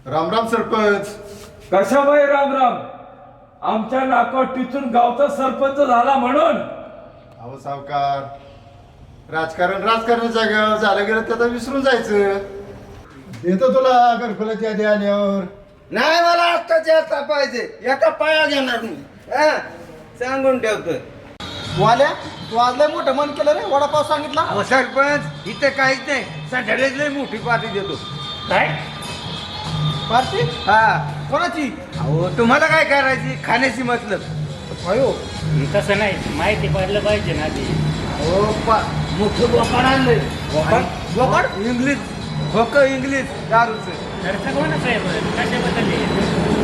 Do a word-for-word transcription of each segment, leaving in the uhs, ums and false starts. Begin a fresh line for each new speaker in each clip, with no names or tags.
राम राम सरपंच.
कशाबाई राम राम. आमच्या नाकावर टिचून गावचा सरपंच झाला म्हणून.
अहो सावकार, राजकारण राजकारणाच्या जागेवर झालं गेलं त्याला विसरून जायचं. देतो तुला घरकुलाची यादी आल्यावर.
नाही, मला आत्ताच्या आता पाहिजे. एका पाया घेणार मी. हा, सांगून ठेवतोय.
वाल्या तू आज लय मोठं मन केलं रे, वडापाव सांगितला.
अहो सरपंच, इथे काहीच नाही. सध्याच लय मोठी पार्टी देतो.
काय पार्टी?
हा,
कोणाची?
अहो तुम्हाला काय करायची, खाण्याची मतलब.
अयो
तसं नाही, माहिती पडलं पाहिजे ना ते.
हो पा मोठं बोकाड आणलंय.
बोकाड?
इंग्लिश खोक इंग्लिश दारूचं.
खर्च कोणाचं आहे बरं, कशाबद्दल आहे?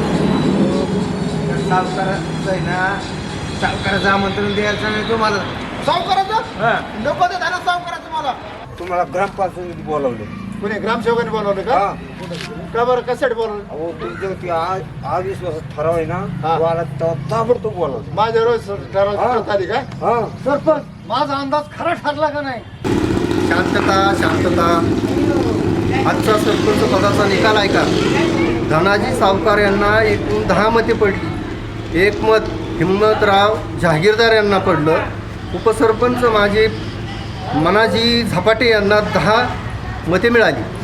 सावकाराचं आहे ना, सावकाराचं आमंत्रण द्यायचं नाही तुम्हाला.
सावकाराचं
हा,
नको देत आहे ना सावकाराचं मला.
तुम्हाला ग्रामपंचायतीत बोलावलं.
कोणी ग्रामसेवकाने बोलावलं का?
हा.
का बरं कशासाठी बोलावलं?
अहो तुमच्या ती आज अविश्वासात ठराव आहे ना,
हा.
मला तेव्हा ताबडतोब बोलावलं.
माझ्या रोज ठरवण्यात आली का?
हा,
सरपंच माझा अंदाज खरा ठरला का नाही?
शांतता शांतता. आजचा सरपंच पदाचा निकाल आहे का? धनाजी सावकार यांना एकूण दहा मते पडली. एक मत हिम्मतराव जहागीरदार यांना पडलं. उपसरपंच माझे मनाजी झपाटे यांना दहा मते मिळाली.